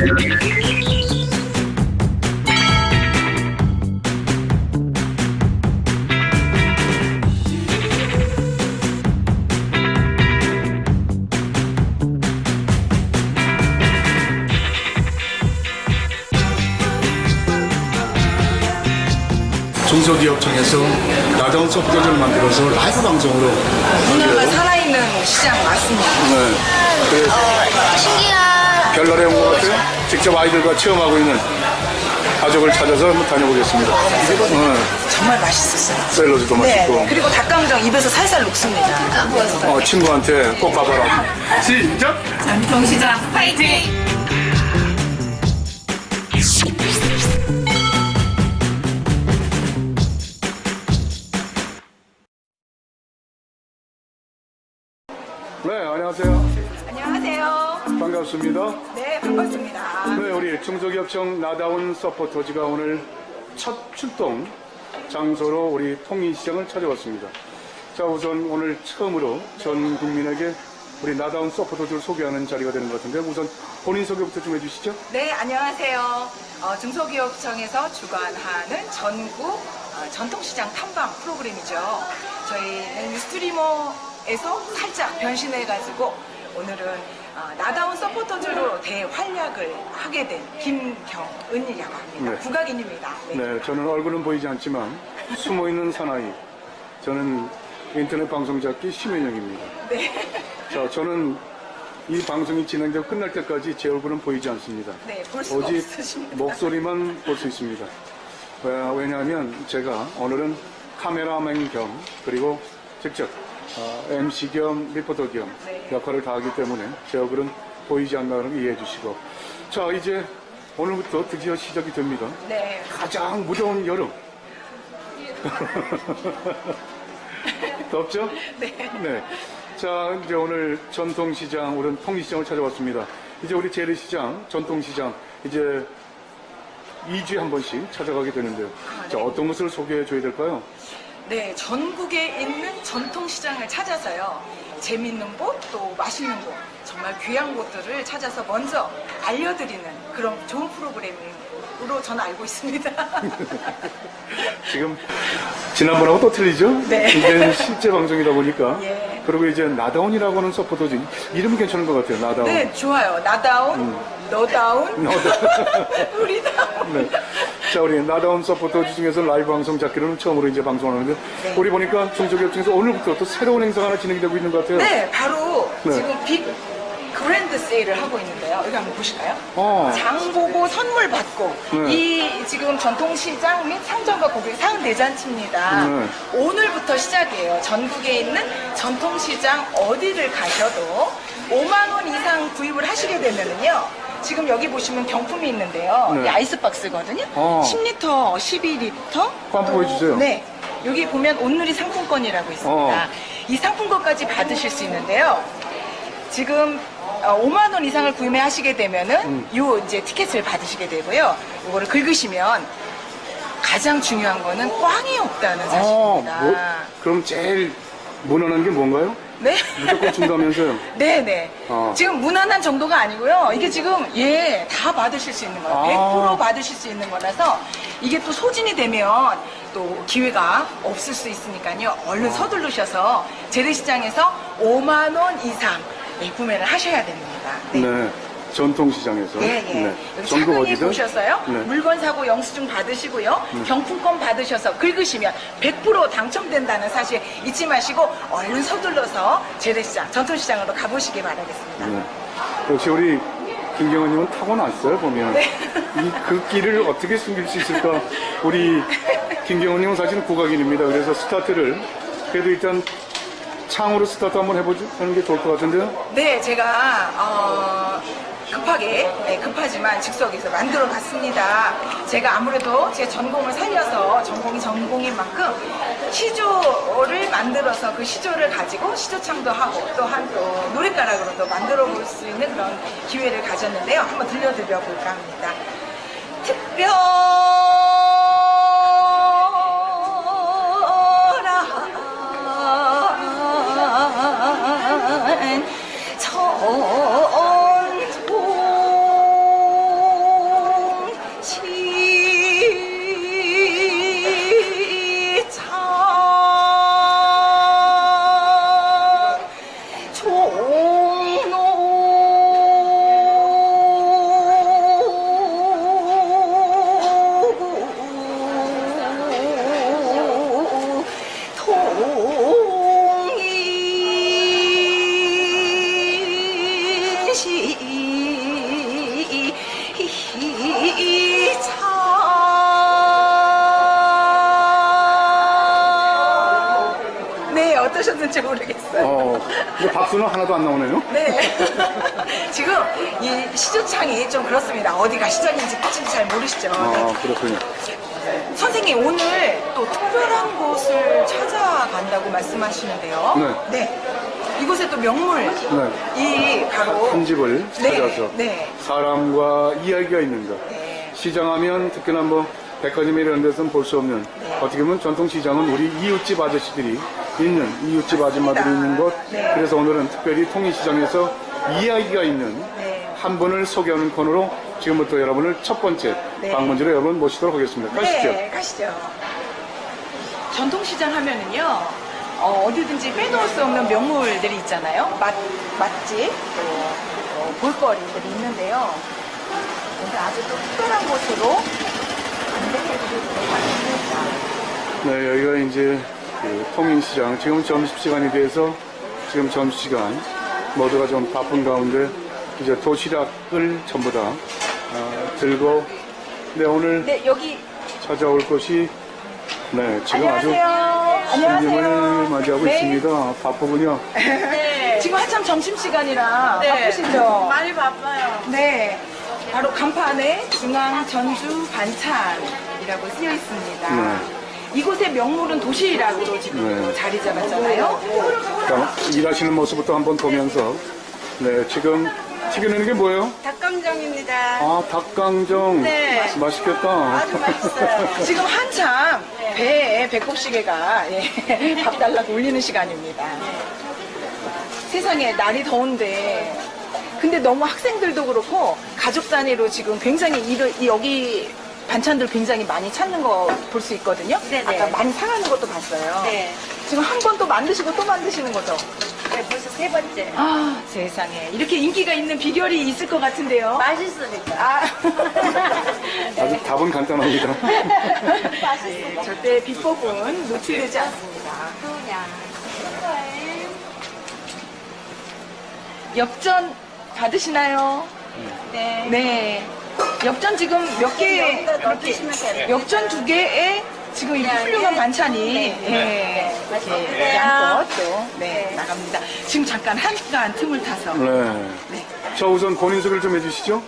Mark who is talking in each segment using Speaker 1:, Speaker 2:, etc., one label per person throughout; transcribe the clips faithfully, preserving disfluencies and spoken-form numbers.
Speaker 1: 중소기업청에서 나다운 소프트웨어를 만들어서 라이브 방송으로
Speaker 2: 문화가 살아있는 시장 맞습니다.
Speaker 1: 네. 그래서
Speaker 3: 어, 신기한.
Speaker 1: 별나라에 온 것 같아요. 직접 아이들과 체험하고 있는 가족을 찾아서 한번 다녀보겠습니다. 네.
Speaker 2: 정말 맛있었어요.
Speaker 1: 샐러드도
Speaker 2: 네,
Speaker 1: 맛있고.
Speaker 2: 네. 그리고 닭강정 입에서 살살 녹습니다.
Speaker 1: 어, 친구한테 꼭 가봐라. 시작!
Speaker 4: 전통시장 파이팅!
Speaker 1: 네, 안녕하세요.
Speaker 2: 안녕하세요.
Speaker 1: 반갑습니다.
Speaker 2: 네, 반갑습니다.
Speaker 1: 네, 우리 중소기업청 나다운 서포터즈가 오늘 첫 출동 장소로 우리 통인시장을 찾아왔습니다. 자, 우선 오늘 처음으로 전 국민에게 우리 나다운 서포터즈를 소개하는 자리가 되는 것 같은데 우선 본인 소개부터 좀 해주시죠.
Speaker 2: 네, 안녕하세요. 어, 중소기업청에서 주관하는 전국 어, 전통시장 탐방 프로그램이죠. 저희는 스트리머에서 살짝 변신해가지고 오늘은 어, 나다운 서포터즈로 대활약을 하게 된 김경은이라고 합니다.
Speaker 1: 네.
Speaker 2: 국악인입니다. 네.
Speaker 1: 네, 저는 얼굴은 보이지 않지만 숨어있는 사나이. 저는 인터넷 방송작기 심현영입니다.
Speaker 2: 네.
Speaker 1: 자, 저는 이 방송이 진행되고 끝날 때까지 제 얼굴은 보이지 않습니다.
Speaker 2: 네, 볼 수가
Speaker 1: 오직
Speaker 2: 없으십니다.
Speaker 1: 목소리만 볼 수 있습니다. 왜- 왜냐하면 제가 오늘은 카메라맨 겸 그리고 직접 어, 엠씨 겸 리포터 겸
Speaker 2: 네.
Speaker 1: 역할을 다하기 때문에 제 얼굴은 보이지 않는다는 걸 이해해 주시고 자, 이제 오늘부터 드디어 시작이 됩니다.
Speaker 2: 네.
Speaker 1: 가장 무더운 여름. 덥죠?
Speaker 2: 네.
Speaker 1: 네. 자, 이제 오늘 전통시장, 오늘 통시장을 찾아왔습니다. 이제 우리 재래시장, 전통시장, 이제 이 주에 한 번씩 찾아가게 되는데요.
Speaker 2: 아, 네.
Speaker 1: 자, 어떤 것을 소개해 줘야 될까요?
Speaker 2: 네, 전국에 있는 전통시장을 찾아서요. 재밌는 곳, 또 맛있는 곳, 정말 귀한 곳들을 찾아서 먼저 알려드리는 그런 좋은 프로그램으로 저는 알고 있습니다.
Speaker 1: 지금 지난번하고 또 틀리죠?
Speaker 2: 네.
Speaker 1: 이제는 실제 방송이다 보니까.
Speaker 2: 예.
Speaker 1: 그리고 이제 나다운이라고 하는 서포터즈. 이름이 괜찮은 것 같아요, 나다운.
Speaker 2: 네, 좋아요. 나다운, 너다운, 우리다운.
Speaker 1: 네. 자, 우리 나다운 서포터즈 중에서 라이브 방송 잡기로는 처음으로 이제 방송하는데
Speaker 2: 네.
Speaker 1: 우리 보니까 중소기업청에서 오늘부터 또 새로운 행사가 하나 진행이 되고 있는 것 같아요.
Speaker 2: 네, 바로
Speaker 1: 네.
Speaker 2: 지금 빅 그랜드 세일을 하고 있는데요. 여기 한번 보실까요?
Speaker 1: 어.
Speaker 2: 장 보고 선물 받고
Speaker 1: 네.
Speaker 2: 이 지금 전통시장 및 상점과 고객 상은 대잔치입니다.
Speaker 1: 네.
Speaker 2: 오늘부터 시작이에요. 전국에 있는 전통시장 어디를 가셔도 오만 원 이상 구입을 하시게 되면은요. 지금 여기 보시면 경품이 있는데요.
Speaker 1: 네.
Speaker 2: 이 아이스박스거든요.
Speaker 1: 어.
Speaker 2: 십 리터, 십이 리터.
Speaker 1: 한번 보여주세요.
Speaker 2: 네. 여기 보면 온누리 상품권이라고 있습니다.
Speaker 1: 어.
Speaker 2: 이 상품권까지 받으실 수 있는데요. 지금 어, 오만 원 이상을 구매하시게 되면은
Speaker 1: 음.
Speaker 2: 요 이제 티켓을 받으시게 되고요. 이거를 긁으시면 가장 중요한 거는 꽝이 없다는
Speaker 1: 어,
Speaker 2: 사실입니다.
Speaker 1: 뭐, 그럼 제일 무난한 게 뭔가요?
Speaker 2: 네?
Speaker 1: 무조건 준다면서요?
Speaker 2: 네네.
Speaker 1: 어.
Speaker 2: 지금 무난한 정도가 아니고요. 이게 지금 예, 다 받으실 수 있는 거예요.
Speaker 1: 아.
Speaker 2: 백 퍼센트 받으실 수 있는 거라서 이게 또 소진이 되면 또 기회가 없을 수 있으니까요. 얼른
Speaker 1: 아.
Speaker 2: 서두르셔서 재래시장에서 오만 원 이상 예, 구매를 하셔야 됩니다.
Speaker 1: 네. 전통시장에서.
Speaker 2: 예, 예.
Speaker 1: 네.
Speaker 2: 여기
Speaker 1: 전국
Speaker 2: 차근히
Speaker 1: 어디든?
Speaker 2: 보셔서요.
Speaker 1: 네.
Speaker 2: 물건 사고 영수증 받으시고요. 경품권 받으셔서 긁으시면 백 퍼센트 당첨된다는 사실 잊지 마시고 얼른 서둘러서 재래시장, 전통시장으로 가보시기 바라겠습니다.
Speaker 1: 네. 역시 우리 김경은님은 타고났어요, 보면.
Speaker 2: 네.
Speaker 1: 이, 그 길을 어떻게 숨길 수 있을까? 우리 김경은님은 사실은 국악인입니다. 그래서 스타트를 그래도 일단 창으로 스타트 한번 해보죠. 하는 게 좋을 것 같은데요.
Speaker 2: 네, 제가 어, 급하게 네, 급하지만 즉석에서 만들어 봤습니다. 제가 아무래도 제 전공을 살려서 전공이 전공인 만큼 시조를 만들어서 그 시조를 가지고 시조창도 하고 또한 또 노랫가락으로도 만들어 볼 수 있는 그런 기회를 가졌는데요. 한번 들려드려 볼까 합니다. 특별한 전통 어떠셨는지 모르겠어요.
Speaker 1: 어, 근데 박수는 하나도 안 나오네요.
Speaker 2: 네. 지금 이 시주창이 좀 그렇습니다. 어디가 시작인지 끝인지 잘 모르시죠.
Speaker 1: 아, 그렇군요.
Speaker 2: 선생님 오늘 또 특별한 곳을 찾아간다고 말씀하시는데요.
Speaker 1: 네.
Speaker 2: 이곳에 또 명물 이 바로
Speaker 1: 한 집을
Speaker 2: 네,
Speaker 1: 찾아서
Speaker 2: 네.
Speaker 1: 사람과 이야기가 있는 것.
Speaker 2: 네.
Speaker 1: 시장하면 특히나 뭐 백화점 이런 데서는 볼 수 없는 어떻게 보면 전통시장은 우리 이웃집 아저씨들이 있는 이웃집 아줌마들이 있는 곳.
Speaker 2: 네.
Speaker 1: 그래서 오늘은 특별히 통일시장에서 이야기가 있는
Speaker 2: 네.
Speaker 1: 한 분을 소개하는 코너로 지금부터 여러분을 첫 번째
Speaker 2: 네.
Speaker 1: 방문지로 여러분 모시도록 하겠습니다. 가시죠.
Speaker 2: 네, 가시죠. 전통시장 하면은요, 어, 어디든지 빼놓을 수 없는 명물들이 있잖아요. 맛, 맛집, 또 어, 볼거리들이 있는데요. 오늘 아주 또 특별한 곳으로 안내해드리도록 하겠습니다.
Speaker 1: 네, 여기가 이제 그 통인시장, 지금 점심시간이 돼서 지금 점심시간 모두가 좀 바쁜 가운데 이제 도시락을 전부 다 어, 들고 네, 오늘
Speaker 2: 네, 여기
Speaker 1: 찾아올 곳이 네, 지금
Speaker 2: 안녕하세요.
Speaker 1: 아주 손님을
Speaker 2: 안녕하세요.
Speaker 1: 맞이하고
Speaker 2: 네.
Speaker 1: 있습니다. 바쁘군요.
Speaker 2: 네. 지금 한참 점심시간이라
Speaker 5: 네.
Speaker 2: 바쁘시죠?
Speaker 5: 많이 바빠요.
Speaker 2: 네. 바로 간판에 중앙 전주 반찬이라고 쓰여 있습니다.
Speaker 1: 네.
Speaker 2: 이곳의 명물은 도시락으로 지금
Speaker 1: 네.
Speaker 2: 자리 잡았잖아요.
Speaker 1: 자, 일하시는 모습부터 한번 보면서 네, 지금 튀겨내는 게 뭐예요?
Speaker 5: 닭강정입니다.
Speaker 1: 아, 닭강정.
Speaker 5: 네.
Speaker 1: 맛있겠다.
Speaker 5: 아주 맛있어요.
Speaker 2: 지금 한참 배에 배꼽시계가 예, 밥 달라고 울리는 시간입니다. 세상에 날이 더운데 근데 너무 학생들도 그렇고 가족 단위로 지금 굉장히 이, 이 여기 반찬들 굉장히 많이 찾는 거 볼 수 있거든요.
Speaker 5: 네네.
Speaker 2: 아까 많이 사가는 것도 봤어요.
Speaker 5: 네.
Speaker 2: 지금 한 번 또 만드시고 또 만드시는 거죠?
Speaker 5: 네, 벌써 세 번째.
Speaker 2: 아 세상에 이렇게 인기가 있는 비결이 있을 것 같은데요.
Speaker 5: 맛있으니까.
Speaker 2: 아.
Speaker 1: 아주 답은 간단합니다.
Speaker 2: 네, 절대 비법은 노출되지 않습니다.
Speaker 5: 그냥.
Speaker 2: 엽전 받으시나요?
Speaker 5: 네.
Speaker 2: 네. 엽전 지금 몇 개,
Speaker 5: 여기다
Speaker 2: 이렇게
Speaker 5: 넣어주시면 돼요.
Speaker 2: 엽전 두 개에 지금 이렇게
Speaker 5: 네,
Speaker 2: 훌륭한
Speaker 5: 네.
Speaker 2: 반찬이
Speaker 5: 네.
Speaker 2: 예,
Speaker 5: 맛있게
Speaker 2: 이렇게
Speaker 5: 드세요.
Speaker 2: 양껏 또 네,
Speaker 5: 네.
Speaker 2: 나갑니다. 지금 잠깐 한간 틈을 타서
Speaker 1: 네.
Speaker 2: 네.
Speaker 1: 자, 우선 본인 소개를 좀 해주시죠.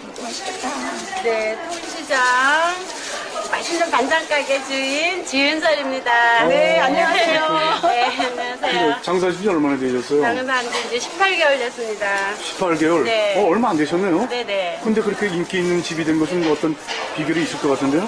Speaker 5: 네, 통시장 맛있는 반찬 가게 주인 지은설입니다.
Speaker 2: 네, 안녕하세요.
Speaker 5: 네, 안녕하세요.
Speaker 1: 근데 장사하신 지 얼마나 되셨어요?
Speaker 5: 장사한 지 이제 십팔 개월 됐습니다.
Speaker 1: 십팔 개월?
Speaker 5: 네.
Speaker 1: 어, 얼마 안 되셨네요?
Speaker 5: 네네.
Speaker 1: 근데 그렇게 인기 있는 집이 된 것은 어떤 비결이 있을 것 같은데요?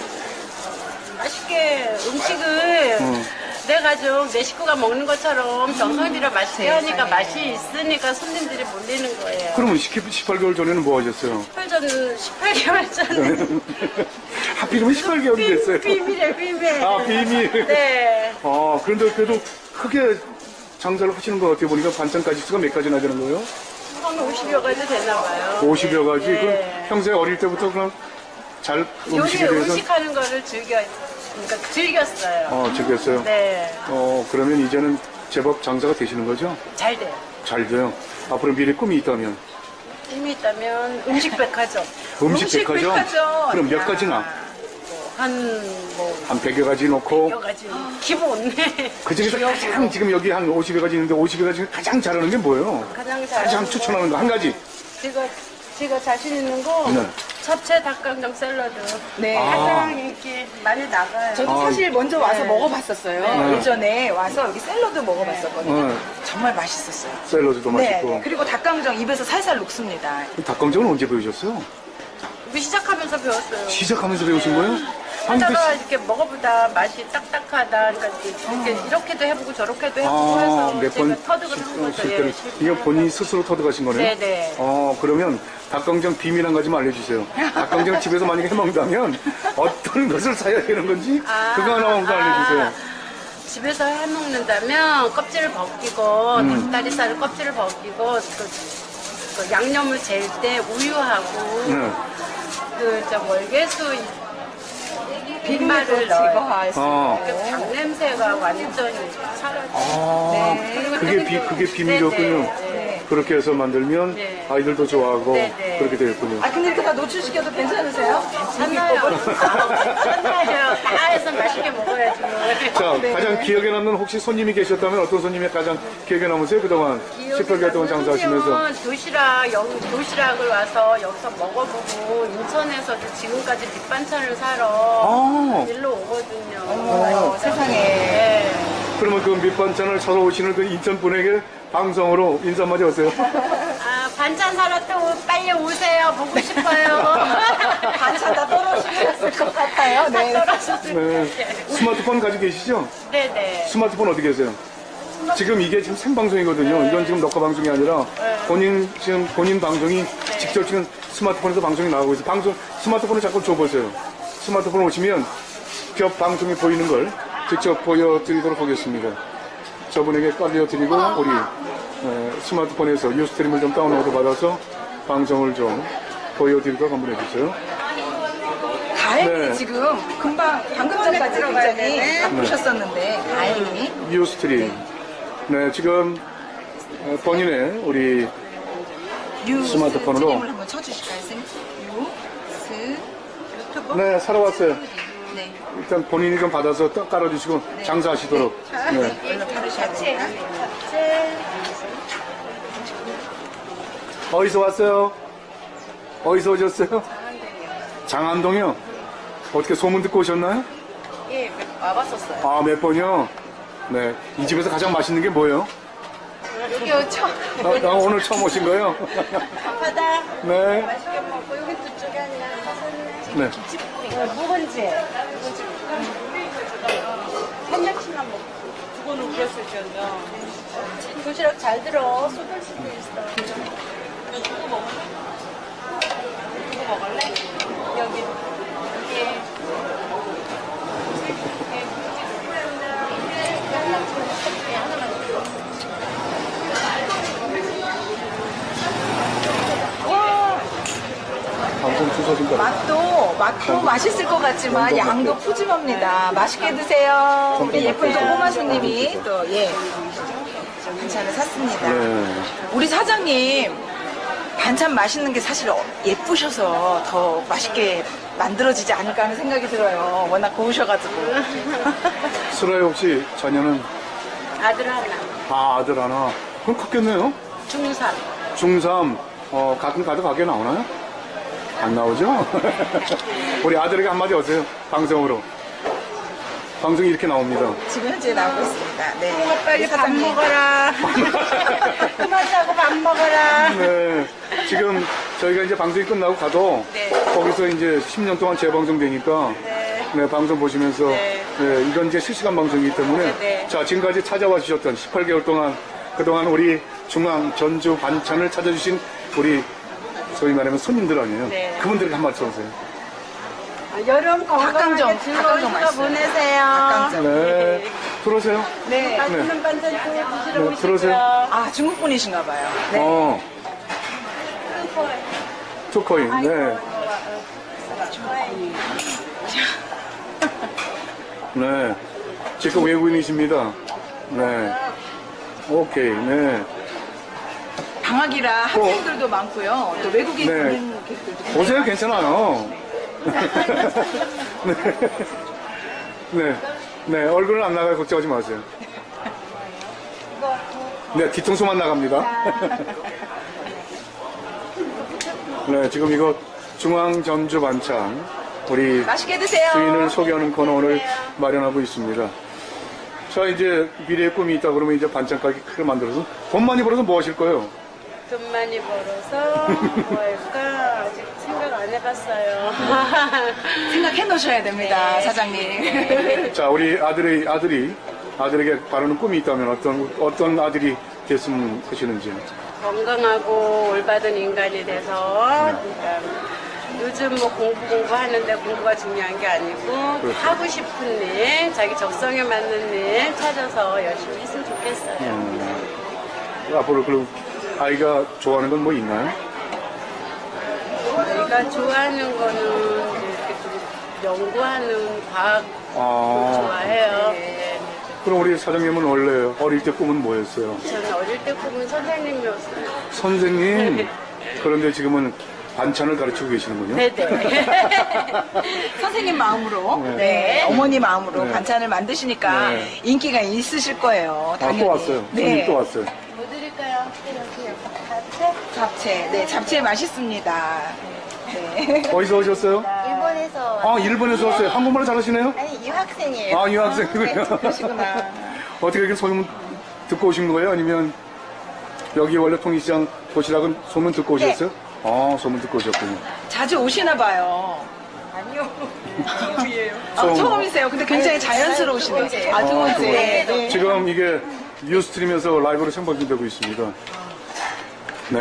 Speaker 5: 맛있게 음식을
Speaker 1: 어.
Speaker 5: 내가 좀 내 식구가 먹는 것처럼 정성 들여 맛있게 하니까 맛이 있으니까 손님들이 몰리는 거예요.
Speaker 1: 그러면 십팔 개월 전에는 뭐 하셨어요?
Speaker 5: 십팔 전 십팔 개월 전에
Speaker 1: 하필이면 십팔 개월이 됐어요.
Speaker 5: 비밀이에요, 비밀.
Speaker 1: 아, 비밀.
Speaker 5: 네.
Speaker 1: 아, 그런데 그래도 크게 장사를 하시는 것 같아요. 보니까 반찬 가지수가 몇 가지나 되는 거예요?
Speaker 5: 한 오십여 가지 되나 봐요.
Speaker 1: 오십여 가지?
Speaker 5: 네.
Speaker 1: 그럼 평소에 어릴 때부터 그냥 잘
Speaker 5: 요리
Speaker 1: 음식에 대해서
Speaker 5: 음식하는 거를 즐겨, 그러니까 즐겼어요.
Speaker 1: 어, 즐겼어요.
Speaker 5: 네.
Speaker 1: 어, 그러면 이제는 제법 장사가 되시는 거죠?
Speaker 5: 잘 돼요.
Speaker 1: 잘 돼요. 앞으로 미래 꿈이 있다면
Speaker 5: 힘이 있다면 음식 백화점.
Speaker 1: 음식,
Speaker 2: 음식
Speaker 1: 백화점?
Speaker 2: 백화점.
Speaker 1: 그럼 몇
Speaker 2: 야.
Speaker 1: 가지나?
Speaker 5: 한, 뭐,
Speaker 1: 한 백여 가지 넣고
Speaker 5: 여러 가지. 기본.
Speaker 1: 그 중에서 가장 지금 여기 한 오십여 가지 있는데 오십여 가지 중에 가장 잘하는 게 뭐예요?
Speaker 5: 가장 잘.
Speaker 1: 가장 추천하는 거 한 가지.
Speaker 5: 제가, 제가 자신 있는 거.
Speaker 1: 네.
Speaker 5: 잡채 닭강정 샐러드.
Speaker 2: 네.
Speaker 1: 아.
Speaker 5: 가장 인기 많이 나가요.
Speaker 2: 저도
Speaker 1: 아,
Speaker 2: 사실 먼저 와서
Speaker 5: 네.
Speaker 2: 먹어봤었어요.
Speaker 1: 네.
Speaker 2: 예전에 와서 여기 샐러드 먹어봤었거든요.
Speaker 1: 네.
Speaker 2: 정말 맛있었어요.
Speaker 1: 샐러드도
Speaker 2: 네,
Speaker 1: 맛있고.
Speaker 2: 네. 그리고 닭강정 입에서 살살 녹습니다.
Speaker 1: 닭강정은 언제 배우셨어요?
Speaker 5: 우리 시작하면서 배웠어요.
Speaker 1: 시작하면서 배우신 거예요? 아니, 그
Speaker 5: 하다가 이렇게 먹어보다 맛이 딱딱하다. 그러니까 이렇게 이렇게도 해보고 저렇게도 해보고
Speaker 1: 아,
Speaker 5: 해서
Speaker 1: 몇
Speaker 5: 제가
Speaker 1: 번
Speaker 5: 터득을 한 거죠.
Speaker 1: 실제로
Speaker 5: 예.
Speaker 1: 이거 본인이 스스로 터득하신 거네요?
Speaker 5: 네네.
Speaker 1: 어, 그러면 닭강정 비밀 한 가지만 알려주세요. 닭강정을 집에서 만약에 해먹는다면 어떤 것을 사야 되는 건지
Speaker 5: 아,
Speaker 1: 그거 하나만 더 알려주세요.
Speaker 5: 집에서 해먹는다면 껍질을 벗기고
Speaker 1: 음.
Speaker 5: 닭다리살을 껍질을 벗기고 그, 그 양념을 잴 때 우유하고
Speaker 1: 네.
Speaker 5: 그저 월계수
Speaker 2: 비린내도
Speaker 5: 빈말을 넣어요.
Speaker 2: 제거할 수
Speaker 1: 어.
Speaker 5: 그 닭 냄새가 완전히 사라져.
Speaker 1: 아,
Speaker 2: 네.
Speaker 1: 그게 비, 그게 비밀이었군요.
Speaker 5: 네.
Speaker 1: 그렇게 해서 만들면
Speaker 5: 네.
Speaker 1: 아이들도 좋아하고
Speaker 5: 네, 네.
Speaker 1: 그렇게 되겠군요.
Speaker 2: 아 근데 이렇게 다 노출시켜도 괜찮으세요?
Speaker 5: 괜찮아요. 괜찮아요. 다 해서 맛있게 먹어야죠.
Speaker 1: 자,
Speaker 2: 네.
Speaker 1: 가장 기억에 남는 혹시 손님이 계셨다면 어떤 손님이 가장 기억에 남으세요? 그동안 십팔 개월 동안 장사하시면서.
Speaker 5: 선생님은 도시락, 영, 도시락을 와서 여기서 먹어보고 인천에서도 지금까지 밑반찬을 사러
Speaker 1: 아,
Speaker 5: 일로 오거든요.
Speaker 2: 어머, 세상에.
Speaker 5: 네.
Speaker 1: 그러면 그 밑반찬을 사러 오시는 그 인천 분에게 방송으로 인사 한마디 하세요.
Speaker 5: 아, 반찬 사러 또 빨리 오세요. 보고 싶어요.
Speaker 2: 반찬 다 떨어지셨을 것 같아요. 네.
Speaker 1: 네. 스마트폰 가지고 계시죠?
Speaker 5: 네네.
Speaker 1: 스마트폰 어디 계세요? 지금 이게 지금 생방송이거든요. 이건 지금 녹화 방송이 아니라 본인 지금 본인 방송이 직접 지금 스마트폰에서 방송이 나오고 있어요. 방송 스마트폰을 잠깐 줘보세요. 스마트폰 오시면 겹 방송이 보이는 걸 직접 보여드리도록 하겠습니다. 저분에게 깔려드리고 우리 에, 스마트폰에서 유스트림을 좀 다운로드 받아서 방송을 좀 보여드리도록 한번 해주세요.
Speaker 2: 다행히
Speaker 1: 네.
Speaker 2: 지금 금방 방금 전까지 굉장히 바쁘셨었는데 다행히
Speaker 1: 유스트림. 네, 지금 어, 본인의 우리
Speaker 2: 뉴
Speaker 1: 스마트폰으로.
Speaker 2: 스트림을 한번 쳐주실까요, 선생님? 유, 스, 유튜브.
Speaker 1: 네, 사러 왔어요.
Speaker 2: 네.
Speaker 1: 일단 본인이 좀 받아서 딱 깔아주시고 장사하시도록. 네.
Speaker 2: 얼른 바르셔야 됩니다.
Speaker 1: 어디서 왔어요? 어디서 오셨어요? 장안동이요. 어떻게 소문 듣고 오셨나요?
Speaker 5: 예, 와봤었어요.
Speaker 1: 아, 몇 번이요? 네. 이 집에서 가장 맛있는 게 뭐예요?
Speaker 5: 여기 오죠?
Speaker 1: 나, 나 오늘 처음 오신 거예요?
Speaker 5: 바다
Speaker 1: 네.
Speaker 5: 맛있게 먹고 여기 두 쪽에 하나
Speaker 1: 네.
Speaker 5: 어, 묵은지. 한장씩만 먹고. 그거는 우렸을 때요. 도시락 잘 들어. 쏟을 수도 있어. 누구 먹을래? 누구 먹을래? 여기. 여기.
Speaker 1: 방송 주소진 거.
Speaker 2: 맛도 맛도 맛있을 것 같지만 양도 푸짐합니다. 맛있게 드세요. 우리 예쁜 또 꼬마 손님이 또 예 반찬을 샀습니다.
Speaker 1: 네.
Speaker 2: 우리 사장님 반찬 맛있는 게 사실 어- 예쁘셔서 더 맛있게 만들어지지 않을까 하는 생각이 들어요. 워낙 고우셔가지고.
Speaker 1: 슬아의 혹시 자녀는
Speaker 5: 아들 하나.
Speaker 1: 아, 아들 하나. 그럼 컸겠네요?
Speaker 5: 중삼.
Speaker 1: 중삼. 어, 가끔 가도 가게 나오나요? 안 나오죠? 우리 아들에게 한마디 하세요. 방송으로. 방송이 이렇게 나옵니다.
Speaker 2: 지금 현재 나오고 있습니다. 네.
Speaker 5: 빨리 밥
Speaker 2: 사장님.
Speaker 5: 먹어라. 그만 자고 밥 먹어라.
Speaker 1: 네. 지금 저희가 이제 방송이 끝나고 가도
Speaker 2: 네.
Speaker 1: 거기서 이제 십 년 동안 재방송 되니까 네. 방송 보시면서
Speaker 5: 네.
Speaker 1: 네, 이건 이제 실시간 방송이기 때문에
Speaker 5: 네, 네.
Speaker 1: 자, 지금까지 찾아와 주셨던 십팔 개월 동안 그동안 우리 중앙 전주 반찬을 찾아주신 우리 소위 말하면 손님들 아니에요.
Speaker 5: 네.
Speaker 1: 그분들에게 한 말씀 하세요.
Speaker 5: 여름 건강하게
Speaker 2: 닭강정,
Speaker 5: 즐거운
Speaker 2: 닭강정
Speaker 5: 휴가
Speaker 2: 맛있어요.
Speaker 5: 보내세요.
Speaker 2: 닭강정.
Speaker 1: 네. 들어오세요.
Speaker 2: 네.
Speaker 5: 맛있는 반찬 또 드시러
Speaker 1: 네,
Speaker 5: 오시고요.
Speaker 1: 들어오세요.
Speaker 2: 아 중국 분이신가 봐요. 네.
Speaker 1: 어. 투코인. 네. 네. 지금 외국인이십니다. 네. 오케이. 네.
Speaker 2: 방학이라 학생들도 많고요. 또 외국인
Speaker 1: 네.
Speaker 2: 관광객들도
Speaker 1: 오세요. 괜찮아요. 네. 네. 네. 얼굴은 안 나가요. 걱정하지 마세요. 네. 뒤통수만 나갑니다. 네. 지금 이거 중앙 전주 반찬 우리
Speaker 2: 맛있게 드세요.
Speaker 1: 주인을 소개하는 코너 오늘 마련하고 있습니다. 자, 이제 미래의 꿈이 있다 그러면 이제 반찬 가게 크게 만들어서 돈 많이 벌어서 뭐 하실 거예요?
Speaker 5: 돈 많이 벌어서 뭐 할까 아직 생각 안 해봤어요.
Speaker 2: 생각해 놓으셔야 됩니다,
Speaker 5: 네.
Speaker 2: 사장님.
Speaker 1: 자, 우리 아들의 아들이 아들에게 바라는 꿈이 있다면 어떤 어떤 아들이 됐으면 하시는지.
Speaker 5: 건강하고 올바른 인간이 돼서 그러니까 요즘 뭐 공부 공부하는데 공부가 중요한 게 아니고
Speaker 1: 그렇죠.
Speaker 5: 하고 싶은 일, 자기 적성에 맞는 일 찾아서 열심히 했으면 좋겠어요.
Speaker 1: 음, 앞으로 그럼 아이가 좋아하는 건 뭐 있나요?
Speaker 5: 저희가 좋아하는 거는 이렇게 좀 연구하는 과학
Speaker 1: 아,
Speaker 5: 좋아해요. 네.
Speaker 1: 그럼 우리 사장님은 원래 어릴 때 꿈은 뭐였어요?
Speaker 5: 저는 어릴 때 꿈은 선생님이었어요.
Speaker 1: 선생님. 그런데 지금은 반찬을 가르치고 계시는군요.
Speaker 5: 네네.
Speaker 2: 선생님 마음으로,
Speaker 1: 네.
Speaker 2: 네, 어머니 마음으로
Speaker 1: 네.
Speaker 2: 반찬을 만드시니까
Speaker 1: 네.
Speaker 2: 인기가 있으실 거예요.
Speaker 1: 아,
Speaker 2: 당연히.
Speaker 1: 또 왔어요. 손님
Speaker 2: 네.
Speaker 1: 또 왔어요.
Speaker 5: 뭐 드릴까요? 이렇게 잡채?
Speaker 2: 잡채, 네, 잡채 맛있습니다. 네.
Speaker 1: 어디서 오셨어요?
Speaker 3: 일본에서
Speaker 1: 아, 일본에서 왔어요. 한국말을 잘하시네요?
Speaker 3: 아니 유학생이에요.
Speaker 1: 아, 유학생이군요.
Speaker 2: 네, 그러시구나.
Speaker 1: 어떻게 이렇게 소문 듣고 오신 거예요? 아니면 여기 원래 통일시장 도시락은 소문 듣고
Speaker 2: 네.
Speaker 1: 오셨어요? 아, 소문 듣고 오셨군요.
Speaker 2: 자주 오시나 봐요.
Speaker 3: 아니요.
Speaker 2: 아,
Speaker 1: 처음.
Speaker 2: 처음이세요. 근데 굉장히 자연스러우시네요.
Speaker 3: 번째예요.
Speaker 2: 아, 두
Speaker 1: 아,
Speaker 2: 번째.
Speaker 1: 두 번째.
Speaker 2: 네.
Speaker 1: 지금 이게 뉴스트림에서 라이브로 생방송되고 있습니다. 네.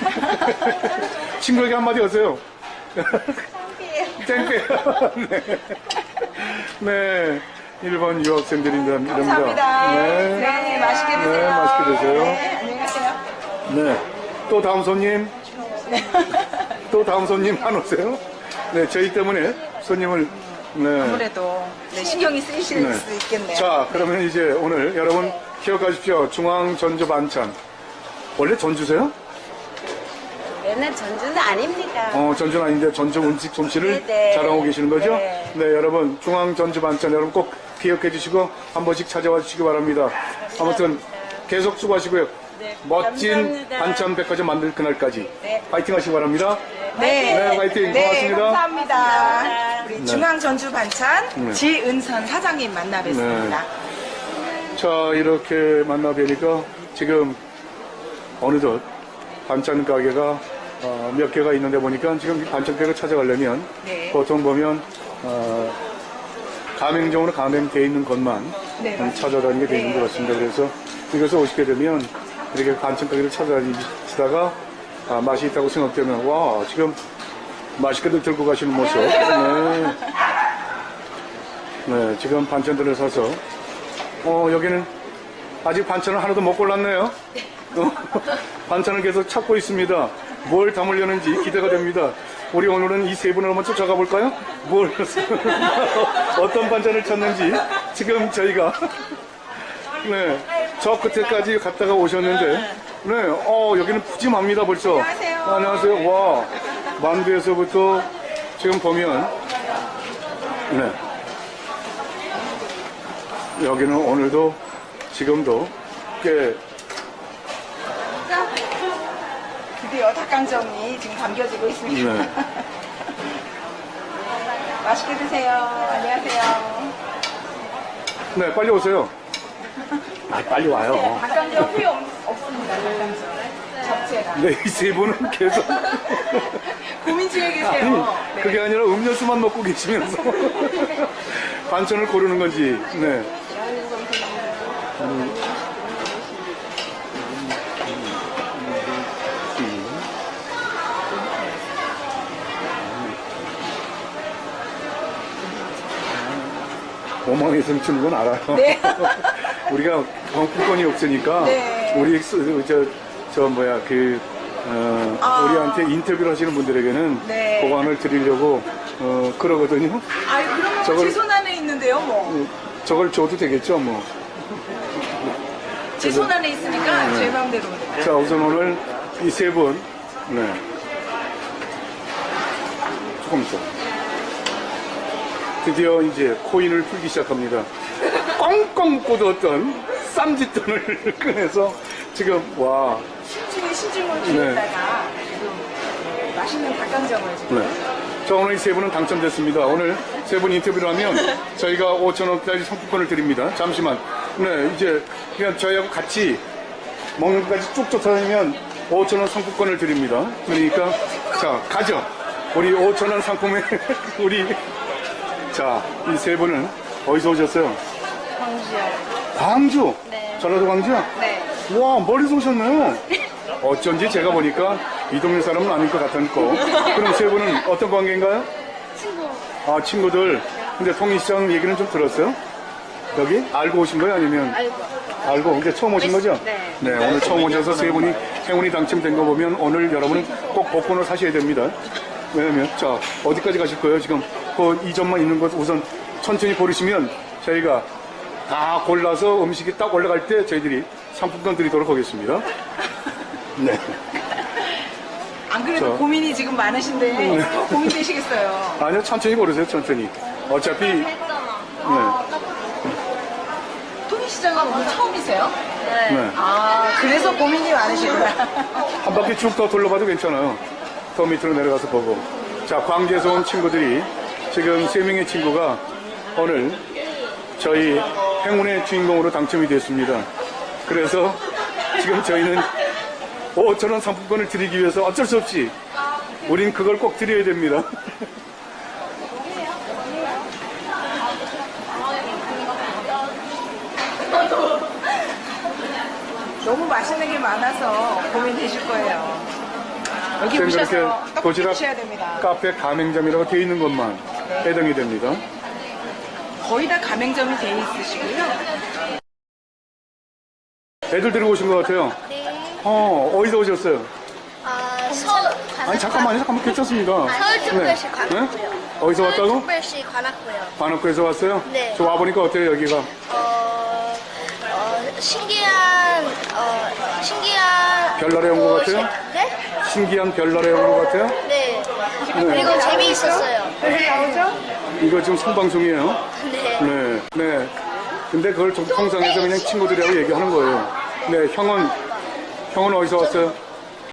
Speaker 1: 친구에게 한마디 하세요. 땡큐. 네. 네. 일본 유학생들입니다.
Speaker 2: 감사합니다.
Speaker 1: 네.
Speaker 2: 네, 맛있게 드세요.
Speaker 1: 네, 맛있게 드세요.
Speaker 2: 네, 안녕히 가세요.
Speaker 1: 네. 또 다음 손님. 또 다음 손님 안 오세요? 네, 저희 때문에 손님을, 네.
Speaker 2: 아무래도 네, 신경이 쓰이실
Speaker 1: 네.
Speaker 2: 수 있겠네요.
Speaker 1: 자, 그러면 이제 오늘 여러분 기억하십시오. 중앙 전주 반찬. 원래 전주세요?
Speaker 5: 얘는 전주는 아닙니다.
Speaker 1: 어, 전주는 아닌데 전주 음식 솜씨를
Speaker 5: 네네.
Speaker 1: 자랑하고 계시는 거죠?
Speaker 5: 네.
Speaker 1: 네, 여러분 중앙 전주 반찬 여러분 꼭 기억해 주시고 한 번씩 찾아와 주시기 바랍니다. 아무튼 계속 수고하시고요.
Speaker 5: 네,
Speaker 1: 멋진
Speaker 5: 감사합니다.
Speaker 1: 반찬 백화점 만들 그날까지
Speaker 2: 네.
Speaker 1: 파이팅 하시기 바랍니다.
Speaker 2: 네,
Speaker 1: 네, 화이팅.
Speaker 2: 네,
Speaker 1: 고맙습니다.
Speaker 2: 감사합니다. 우리
Speaker 1: 네.
Speaker 2: 중앙 전주 반찬
Speaker 1: 네.
Speaker 2: 지은선 사장님 만나 뵙습니다.
Speaker 1: 자, 이렇게 만나 뵈니까 지금 어느덧 반찬 가게가 어, 몇 개가 있는데 보니까 지금 이 반찬 가게를 찾아가려면
Speaker 2: 네.
Speaker 1: 보통 보면 어, 가맹점으로 가맹되어 있는 것만
Speaker 2: 네,
Speaker 1: 좀
Speaker 2: 맞습니다.
Speaker 1: 찾아다니게 되는
Speaker 2: 네.
Speaker 1: 것 같습니다. 그래서 이것을 오시게 되면 이렇게 반찬 가게를 찾아다니시다가 아, 맛이 있다고 생각되면 와 지금 맛있게들 들고 가시는 모습 네. 네, 지금 반찬들을 사서 어 여기는 아직 반찬을 하나도 못 골랐네요. 어, 반찬을 계속 찾고 있습니다. 뭘 담으려는지 기대가 됩니다. 우리 오늘은 이 세 분을 한번 쫓아가 볼까요? 뭘 어떤 반찬을 찾는지 지금 저희가 네, 저 끝에까지 갔다가 오셨는데 네, 어 여기는 푸짐합니다 벌써.
Speaker 2: 안녕하세요.
Speaker 1: 안녕하세요. 와 만두에서부터 지금 보면 네. 여기는 오늘도 지금도 꽤
Speaker 2: 드디어 닭강정이 지금 담겨지고 있습니다.
Speaker 1: 네.
Speaker 2: 맛있게 드세요. 안녕하세요.
Speaker 1: 네, 빨리 오세요. 아, 빨리 와요.
Speaker 2: 닭강정 후회 없, 없습니다. 닭강정. 잡채가.
Speaker 1: 네, 이 세 분은 계속
Speaker 2: 고민 중에
Speaker 1: 아니,
Speaker 2: 계세요. 네.
Speaker 1: 그게 아니라 음료수만 먹고 계시면서 반찬을 고르는 건지. 네. 오만 원 이상 주는 건 알아요.
Speaker 2: 네.
Speaker 1: 우리가 경품권이 없으니까
Speaker 2: 네.
Speaker 1: 우리 수- 저, 저 뭐야 그 어,
Speaker 2: 아.
Speaker 1: 우리한테 인터뷰를 하시는 분들에게는
Speaker 2: 네.
Speaker 1: 보관을 드리려고 어, 그러거든요.
Speaker 2: 아유, 그러면
Speaker 1: 저걸-
Speaker 2: 제 손 안에 있는데요, 뭐.
Speaker 1: 저걸 줘도 되겠죠, 뭐.
Speaker 2: 제 손 안에 있으니까
Speaker 1: 네.
Speaker 2: 제 마음대로.
Speaker 1: 자, 우선 오늘 이 세 분, 네. 조금 있어. 드디어 이제 코인을 풀기 시작합니다. 꽁꽁 꽂았던 쌈짓돈을 꺼내서 지금, 와,
Speaker 2: 신중에 신중을 기울다가 지금 맛있는 닭강정을 지금.
Speaker 1: 네. 자, 오늘 이 세 분은 당첨됐습니다. 오늘 세 분 인터뷰를 하면 저희가 오천 원까지 상품권을 드립니다. 잠시만. 네, 이제 그냥 저희하고 같이 먹는 것까지 쭉 쫓아다니면 오천 원 상품권을 드립니다. 그러니까, 자, 가죠. 우리 오천 원 상품에, 우리, 자, 이 세 분은 어디서 오셨어요?
Speaker 5: 광주요.
Speaker 1: 광주?
Speaker 5: 네.
Speaker 1: 전라도 광주요?
Speaker 5: 네.
Speaker 1: 와, 멀리서 오셨네요. 어쩐지 제가 보니까 이 동네 사람은 아닐 것 같았고. 그럼 세 분은 어떤 관계인가요?
Speaker 5: 친구.
Speaker 1: 아, 친구들. 근데 통일시장 얘기는 좀 들었어요? 여기? 알고 오신 거예요? 아니면?
Speaker 5: 알고.
Speaker 1: 알고. 근데 처음 오신 거죠?
Speaker 5: 네.
Speaker 1: 네, 오늘 처음 오셔서 세 분이 행운이 당첨된 거 보면 오늘 여러분은 꼭 복권을 사셔야 됩니다. 왜냐면, 자, 어디까지 가실 거예요? 지금 그 이 점만 있는 것 우선 천천히 고르시면 저희가 다 골라서 음식이 딱 올라갈 때 저희들이 상품권 드리도록 하겠습니다. 네.
Speaker 2: 안 그래도
Speaker 1: 저-
Speaker 2: 고민이 지금 많으신데
Speaker 1: 네.
Speaker 2: 더 고민되시겠어요.
Speaker 1: 아니요, 천천히 고르세요, 천천히. 어차피, 네.
Speaker 2: 통일시장은 오늘 처음이세요?
Speaker 1: 네.
Speaker 2: 아, 그래서 고민이 많으시구나.
Speaker 1: 한 바퀴 쭉 더 둘러봐도 괜찮아요. 더 밑으로 내려가서 보고. 자, 광주에서 온 친구들이 지금 세 명의 친구가 오늘 저희 행운의 주인공으로 당첨이 됐습니다. 그래서 지금 저희는 오천 원 상품권을 드리기 위해서 어쩔 수 없이 우린 그걸 꼭 드려야 됩니다.
Speaker 2: 너무 맛있는 게 많아서 고민되실 거예요. 여기
Speaker 1: 지금
Speaker 2: 오셔서
Speaker 1: 그렇게
Speaker 2: 떡볶이
Speaker 1: 도시락
Speaker 2: 드셔야 됩니다.
Speaker 1: 카페 가맹점이라고 되어 있는 것만 해당이 됩니다.
Speaker 2: 거의 다 가맹점이 돼 있으시고요.
Speaker 1: 애들 데리고 오신 것 같아요.
Speaker 3: 네.
Speaker 1: 어, 어디서 오셨어요?
Speaker 3: 아, 서울
Speaker 1: 아니, 잠깐만요, 잠깐만, 괜찮습니다.
Speaker 3: 서울특별시
Speaker 1: 네.
Speaker 3: 관악구요.
Speaker 1: 네? 어디서 왔다고?
Speaker 3: 서울특별시 관악구요.
Speaker 1: 관악구에서 왔어요?
Speaker 3: 네.
Speaker 1: 저 와보니까 어때요, 여기가?
Speaker 3: 어, 어, 신기한, 어, 신기한.
Speaker 1: 별나라에 온 것
Speaker 3: 곳이-
Speaker 1: 같아요?
Speaker 3: 네?
Speaker 1: 신기한 별나라에 온 것 같아요?
Speaker 3: 네. 그리고 재미있었어요.
Speaker 1: 이거 지금 생방송이에요?
Speaker 3: 네.
Speaker 1: 네, 네. 근데 그걸 좀 통상에서 그냥 친구들이라고 얘기하는 거예요. 네, 형은, 형은 어디서 왔어요?